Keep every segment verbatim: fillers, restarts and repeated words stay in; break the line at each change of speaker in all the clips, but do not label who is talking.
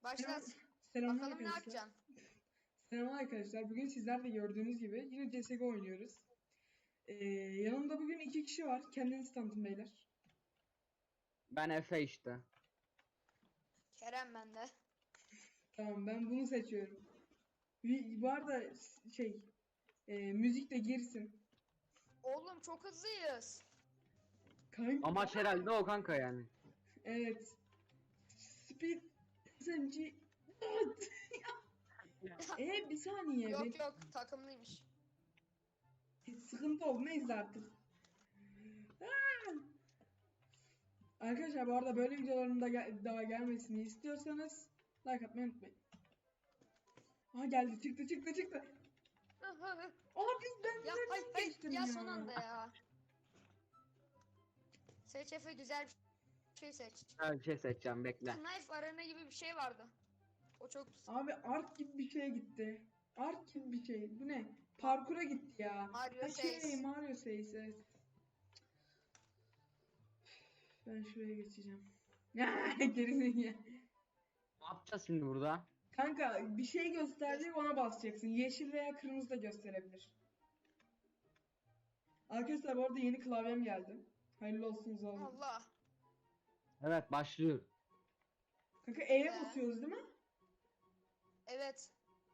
Başlat.
Selam
Bakalım ne
arkadaşlar.
yapacaksın?
Selam arkadaşlar. Bugün sizler de gördüğünüz gibi yine C S G O oynuyoruz. Ee, yanımda bugün iki kişi var. Kendinizi tanıtın beyler.
Ben Efe işte.
Kerem bende.
Tamam, ben bunu seçiyorum. Bir- Bu arada şey e, müzik de girsin.
Oğlum çok hızlıyız.
Kanka,
Amaç herhalde o kanka yani.
evet. Speed S M G. E bir saniye.
Yok
bir-
yok takımlıymış.
Sıkıntı oldu. Neyse artık. Aa! Arkadaşlar bu arada böyle videoların da gel- daha gelmesini istiyorsanız like atmayı unutmayın. Aha geldi, çıktı çıktı çıktı. Abi ben
Ya
nereden
hay hay
geçtim
ya
ya?
son anda ya. Seç Efe güzel bir şey seç.
Ben bir şey seçeceğim bekle.
Knife arena gibi bir şey vardı. O çok
Abi Ark gibi bir şeye gitti. Ark gibi bir şey. Bu ne? Parkura gitti ya.
Mario
Ha, şey,
Says.
Mario Says, evet. Ben şuraya geçeceğim. Gerizekalı.
Ne yapacağız şimdi burada?
Kanka bir şey gösterecek, ona basacaksın. Yeşil veya kırmızı da gösterebilir. Arkadaşlar bu arada yeni klavyem geldi. Hayırlı olsun zor.
Allah.
Evet başlıyor.
Kanka E'ye
Ee?
basıyoruz değil mi?
Evet.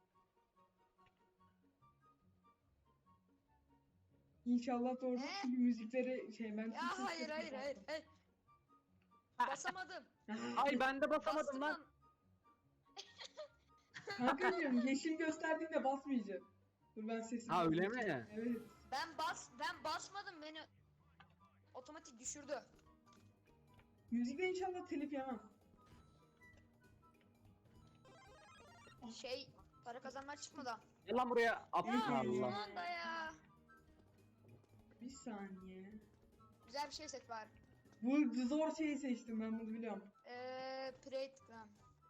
İnşallah doğru.
Ee?
Çünkü müzikleri şey ben
Ya hayır hayır hayır. hayır. Basamadım.
Ay ben de basamadım
Bastım
lan.
lan.
Kankacığım yeşil gösterdiğinde basmayacağım. Dur ben sesimi
Ha, öyle
kapatayım.
mi?
Evet.
Ben bas ben basmadım beni otomatik düşürdü.
Müzikte inşallah telif yemem.
Şey para kazanmak çıkmadan.
Gel lan buraya.
Ya
Aptal
son
Allah.
anda ya.
Bir saniye.
Güzel bir şey seç bari.
Bu zor şeyi seçtim, ben bunu biliyorum.
Eee Playground.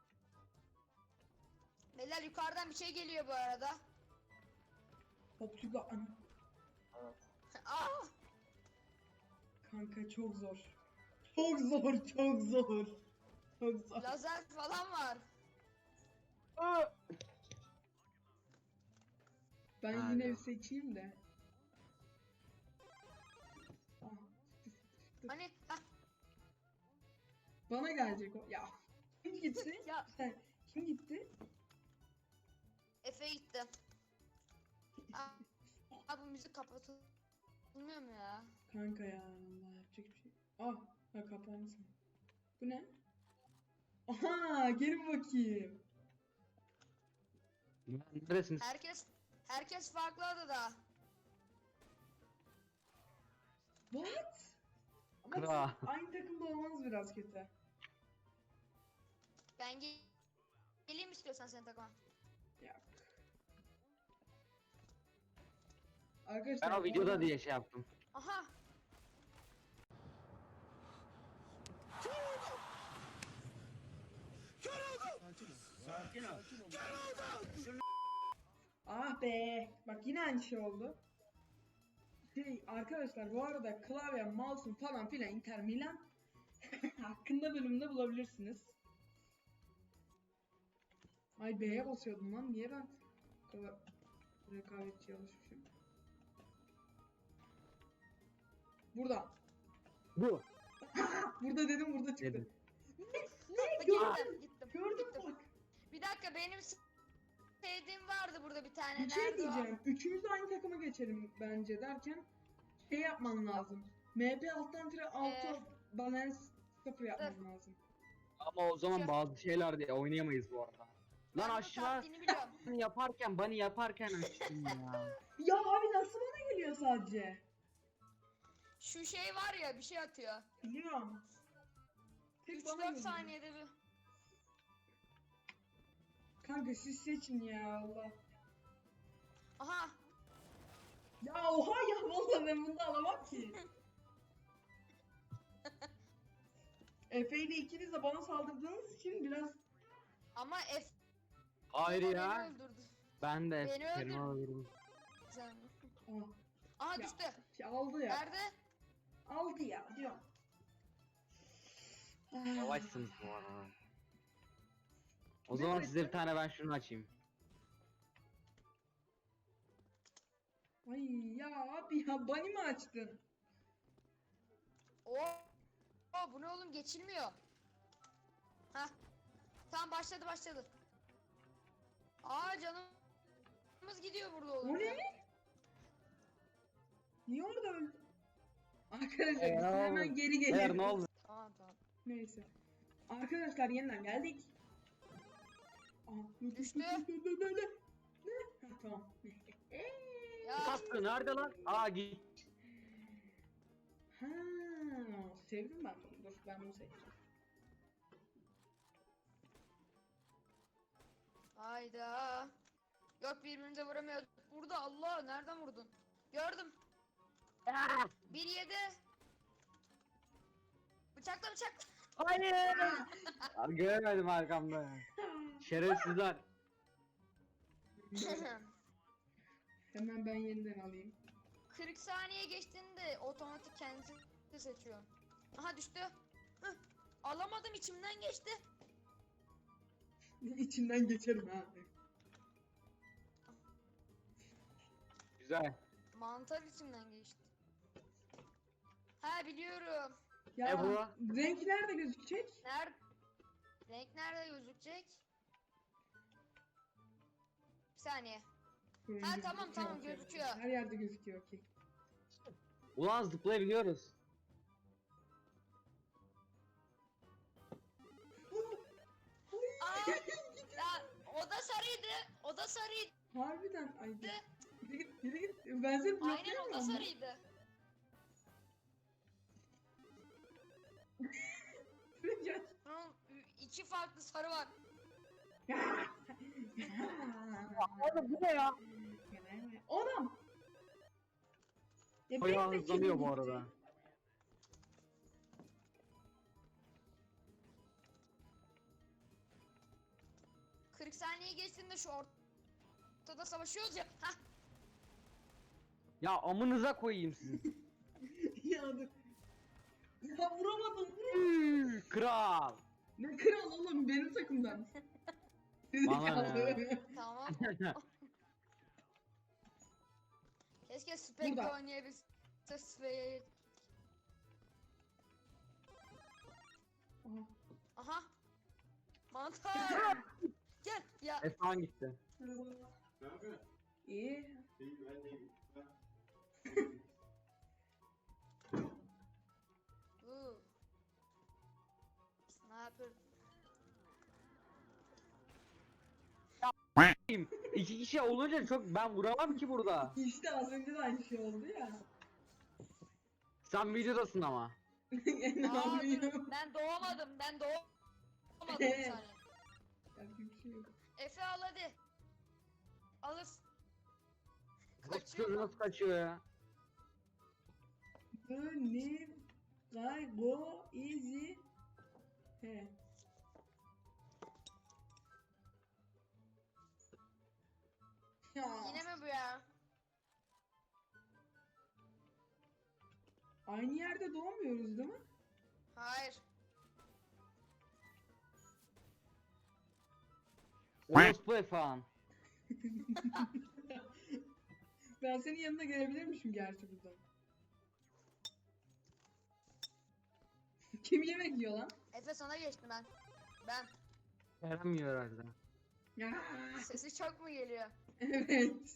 Beyler yukarıdan bir şey geliyor bu arada.
Topçuga ana.
Aa!
Kanka çok zor. Çok zor, çok zor. Çok zor.
Lazer falan var.
Aa!
Ben
Alo.
yine bir seçeyim de. Ah, çıktı, çıktı.
Hani hah,
Bana gelecek o. Ya kim gitti?
ya
Sen kim gitti?
Efe gitti. Aa, aa, bu müzik kapatılmıyor mu ya?
Kanka ya Allah, yapacak bir şey. Ah, ha kapansın. Bu ne? Aha, gelin bakayım.
Neredesiniz?
Herkes herkes farklı adada.
What? Ama
Kral.
siz aynı takımda olmanız biraz kötü.
Ben gel geleyim istiyorsan sen takıma.
Yok. Arkadaşlar
Ben o
bu
videoda
arada-
diye şey yaptım.
Aha.
Ah be. Bak yine aynı şey oldu. Şey, arkadaşlar bu arada klavye, mouse'un falan filan Inter Milan hakkında bölümde bulabilirsiniz. Ay B'ye basıyordum lan. Niye ben bu kadar rekabetçi alışmışım? Burada.
Bu.
Burada dedim, burada çıktı.
Dedim.
Ne? Gördüm.
Gittim gittim.
Gördüm
gittim.
bak.
Bir dakika benim sevdiğim vardı burada bir tane.
Bir şey
Nerede o?
diyeceğim. Üçümüz de aynı takıma geçelim bence derken şey yapman lazım. M P alttan tire altı
Ee,
balance sıfır yapman lazım.
Ama o zaman
Şu-
bazı şeyler diye oynayamayız bu arada. Lan
Ben bunun
aşağı
taktiğini biliyorum.
yaparken bunny yaparken açtım ya.
Ya abi nasıl bana geliyor sadece?
Şu şey var ya bir şey atıyor.
Biliyorum. Tek
üç
bana
dört
geliyor.
saniyede bir.
Kanka siz seçin ya Allah.
Aha.
Ya oha ya, vallahi ben bunu da alamam ki. Efe ile ikiniz de bana saldırdığınız için biraz
Ama F
Hayır
beni
ya.
öldürdü.
Ben de
Beni
Kerem'i
öldür-
alırım.
Sen.
ah,
Aha
Ya.
düştü.
şey aldı ya.
Nerede?
Aldı ya diyorum. Ah.
Yavaşsınız bu arada. O zaman size bir tane ben şunu açayım.
Ay ya abi ya Bunny mi açtın?
Oo. Oo, bu ne oğlum, geçilmiyor. Hah. Tamam, başladı başladı. Aa, canımız gidiyor burada oğlum.
O ne?
ya.
Niye orada öldü? Arkadaşlar
Ee,
biz
ne
hemen
oldu?
geri
Eğer
geliyoruz.
ne oldu?
Tamam tamam.
Neyse. Arkadaşlar yeniden geldik. Aa, dur, dur,
Düştü.
dur, dur, dur, dur, dur. Ne? Ha, tamam.
Ya
Kaskı nerede lan? Aa git.
Ha, sevdim ben bunu. Dur ben bunu seçtim.
hayda. Yok, birbirimize vuramıyorduk. Burada, Allah, nereden vurdun? Gördüm.
Aa,
Bir yedi. Bıçakla bıçak.
hayır. Abi göremedim arkamda. Şerefsizler.
Hemen ben yeniden alayım.
kırk saniye geçtiğinde otomatik kendisi seçiyor. Aha, düştü. Hıh. Alamadım, içimden geçti.
İçinden geçerim ha.
Güzel.
Mantar içimden geçti. Ha, biliyorum.
Ya
E bu?
renk nerede gözükecek?
Nerede? Renk nerede gözükecek? Bir saniye.
Rengi
Ha, tamam,
gözüküyor,
tamam,
okey.
gözüküyor.
Her yerde gözüküyor okey.
Ulan zıplayabiliyoruz.
Aa, ya, o da sarıydı. O da sarıydı.
Harbiden ay git git git git git. Ben seni
Aynen, o da
bloklayamıyorum.
sarıydı.
Gel.
Bunun iki farklı sarı var.
Oğlum bu ne ya?
Oğlum. Ya
Bayağı
benim de
hızlanıyor
kedim
bu
gitti.
arada.
kırk saniye geçtiğinde şu ortada savaşıyoruz ya. Hah.
Ya amınıza koyayım sizi.
Ya dur. Ya vuramadım vuramadım.
Üü, Kral.
Ne kral oğlum benim takımdan.
Bana ne?
Zekalı.
Tamam. Keşke Spectre
Burada.
oynayabilse. Spectre.
Aha.
Aha. Mantar. Gel ya.
Efan gitti.
Ne yapıyorsun?
İyi.
İyi, ben de iyiyim. Ha.
Uuu. Sniper.
İki kişi olunca çok ben vuramam ki burada.
İşte az önce de aynı şey oldu ya.
Sen videodasın ama.
ne
Aa,
yapayım?
dur, ben doğamadım. Ben doğamadım bir saniye.
Yapacak bir şey yok.
Efe, al hadi. Alırsın.
Kaçıyor
Kaçıyor.
nasıl kaçıyor ya?
The ne? Guy go easy. He. Ya.
Yine mi bu ya?
Aynı yerde doğmuyoruz değil mi?
Hayır.
Orospu Efan.
Ben senin yanına gelebilirmişim gerçi buradan. Kim yemek yiyor lan?
Efe, sana geçtim ben. Ben.
Veremiyor herhalde.
Ya.
Sesi çok mu geliyor?
Evet.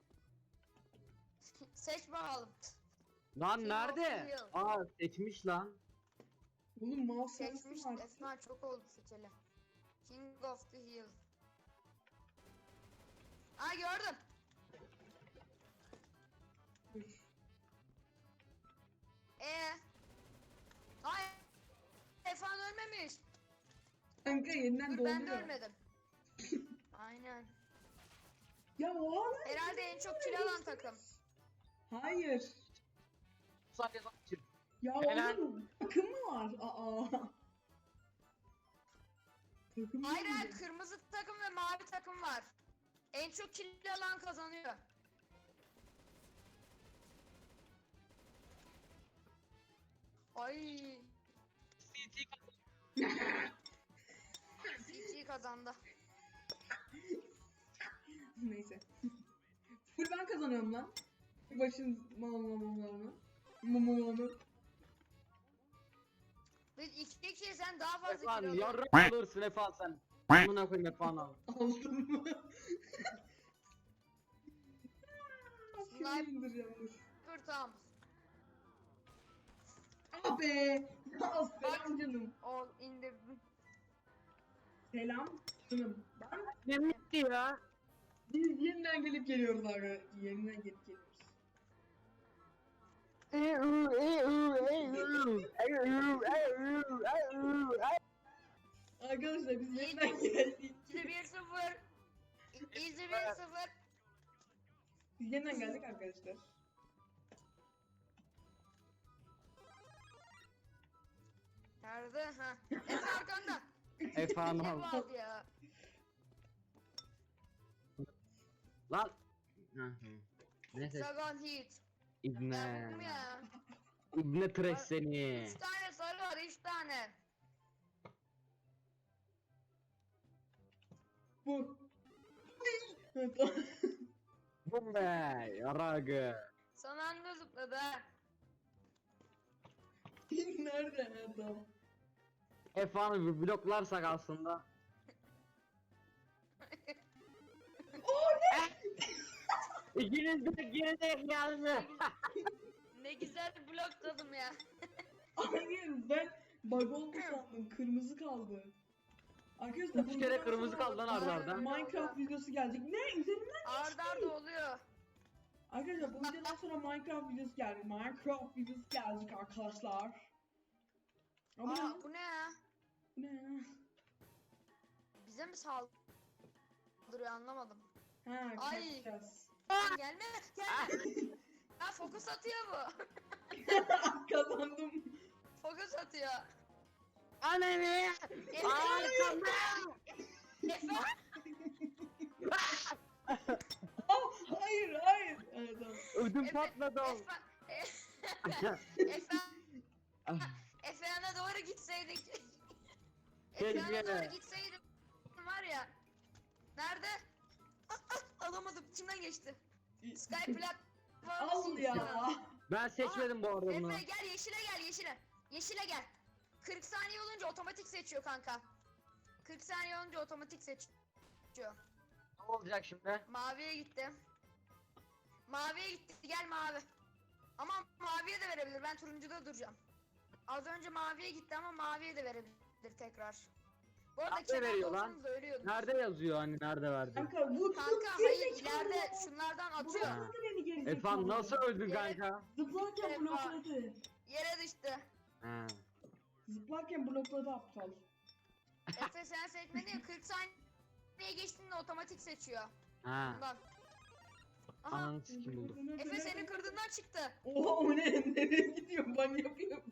Seç bakalım.
Lan
King
nerede?
of the Hill.
Aa seçmiş lan.
Oğlum mouse
Seçmiş.
sensin artık.
Esma çok oldu seçeli. King of the Hill. Aa, gördüm.
Dur.
Ee. Ay. Efan ölmemiş.
Kanka yeniden
Dur, ben de
doğuyor.
ölmedim. Aynen.
Ya o adam.
Herhalde en çok kill alan takım.
Hayır.
Sadece kaçır.
Ya
Helal.
oğlum takım mı var? Aa. Takım
Hayır,
değil
hayır,
mi?
kırmızı takım ve mavi takım var. En çok kill alan kazanıyor. Ay. C T kazandı.
Neyse. Full ben kazanıyorum lan. Başın mallamamlarını. Mumumunu.
Biz iki kişi sen daha fazla
Efan
kilo alıyorsun.
yarrak alırsın Efan sen. Amına koyayım Efan abi.
Aldım mı? Şunu
Sniper.
indireceğim dur.
Dur tamam.
Abi. Ya selam canım.
O indirdim.
Selam canım. Ben
Ne bitti ya?
biz yeniden gelip geliyoruz abi. Yeniden gelip geliyoruz. Arkadaşlar biz yeniden geldik.
İzle bir sıfır. İzle bir sıfır.
Biz yeniden geldik arkadaşlar.
Nerede? Ha. Efe arkanda.
Efan
Ne
abi.
vardı ya?
Lan. Hı hı. Neyse.
Sagan Heat.
İbne.
Ya bu mu ya?
İbne trash seni.
Üç tane sarı var, üç tane.
Bu. Evet, o-
Bu be. Yaragı.
Son anda zıpladı ha.
Nerede adam?
Efen'i bir bloklarsak aslında. İkiniz de geride geldi.
Ne güzel blokladım ya.
Hayır ben bug oldu sandım. Kırmızı kaldı. Arkadaşlar
Üç
bu
kere
videodan
kırmızı
sonra
kaldı lan arda arda.
Minecraft videosu gelecek. Ne? Üzerinden
Arda arda oluyor.
Arkadaşlar bu videodan sonra Minecraft videosu gelecek. Minecraft videosu gelecek arkadaşlar. Ama
Aa bu ne ya?
bu ne ya?
Bize mi saldırıyor anlamadım.
Ha
Ay.
kaçacağız.
Lan gelme gelme. Ha fokus atıyor bu.
Kazandım.
Fokus atıyor.
Anne.
Efe.
Arkamda.
Efe.
Aa, hayır hayır. Evet, tamam.
Ödüm
Efe.
patladı.
Efe. Efe. Efe yana doğru gitseydik. Efe yana
Keşke.
doğru gitseydik. Var ya. Nerede? Ah, ah, alamadım. İçimden geçti. Sky platformu.
Al ya.
Ben seçmedim bu arada bunu.
Efe gel yeşile gel yeşile. Yeşile gel. kırk saniye olunca otomatik seçiyor kanka. kırk saniye olunca otomatik seçiyor.
Ne olacak şimdi?
Maviye gitti. Maviye gitti. Gel mavi. Ama maviye de verebilir. Ben turuncuda duracağım. Az önce maviye gitti ama maviye de verebilir tekrar. Bu arada
Nerede veriyor lan?
olsanız da ölüyordunuz.
Nerede yazıyor hani nerede verdi?
Kanka vur.
Kanka hayır ileride şunlardan atıyor.
Ha.
Blokladı beni geri zekalı.
Efan nasıl öldün
Evet.
kanka?
Zıplarken
Efan.
blokladı.
Yere düştü.
Ha.
Zıplarken blokladı aptal.
Efe sen seçmedin ya, kırk saniye geçtiğinde otomatik seçiyor.
Ha.
Bundan. Aha.
Ananı sikim buldum.
Efe senin kırdığından çıktı.
Oha o ne? Nereye gidiyor? Ben yapıyorum.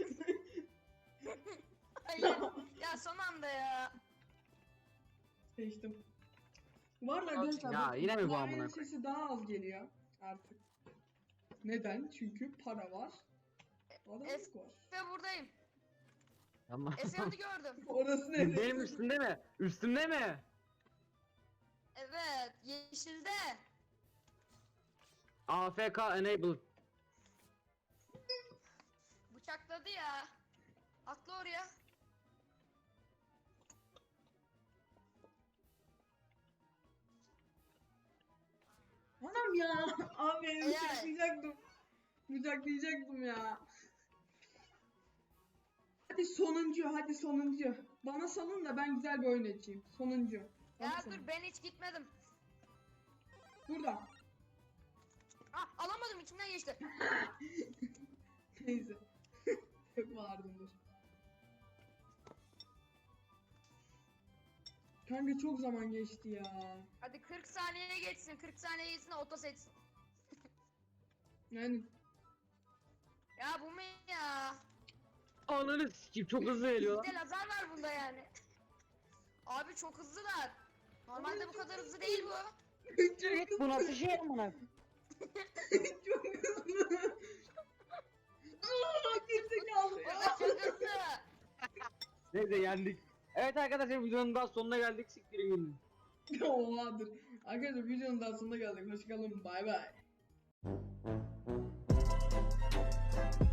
Hayır. Ya son anda ya.
Seçtim. Var ya arkadaşlar.
Ya, yine mi bu
klavyenin
amına
sesi daha az geliyor artık. Neden? Çünkü para var. Adalet var.
Efe buradayım.
Tamam.
Efe onu gördüm.
Orası ne?
Benim üstümde mi? Üstümde mi?
Evet. Yeşilde.
A F K enabled.
Bıçakladı ya. Atla oraya.
Anam ya. Abi
Eğer-
bıçaklayacaktım. Bıçaklayacaktım ya. Hadi sonuncu, hadi sonuncu. Bana salın da ben güzel bir oyun açayım. Sonuncu. Bana
Ya
salın.
dur ben hiç gitmedim.
Burada.
Ah alamadım içimden geçti.
Neyse. Çok bağırdım dur. Kanka çok zaman geçti ya.
Hadi kırk saniyeye geçsin. kırk saniye geçsin de oto seçsin.
Yani
Ya bu mu ya?
Ananı sikim çok hızlı geliyor.
Bir de lazer var bunda yani. Abi çok hızlılar. Normalde bu kadar hızlı değil bu.
çok hızlı.
Bu nasıl şey amına?
Çok hızlı. Aaa gerizekalı
O
ya.
da çok hızlı.
Neyse yendik. Evet arkadaşlar videonun daha sonuna geldik. Siktirin gidin.
Oha dur. Arkadaşlar videonun daha sonuna geldik. Hoşçakalın. Bay bay.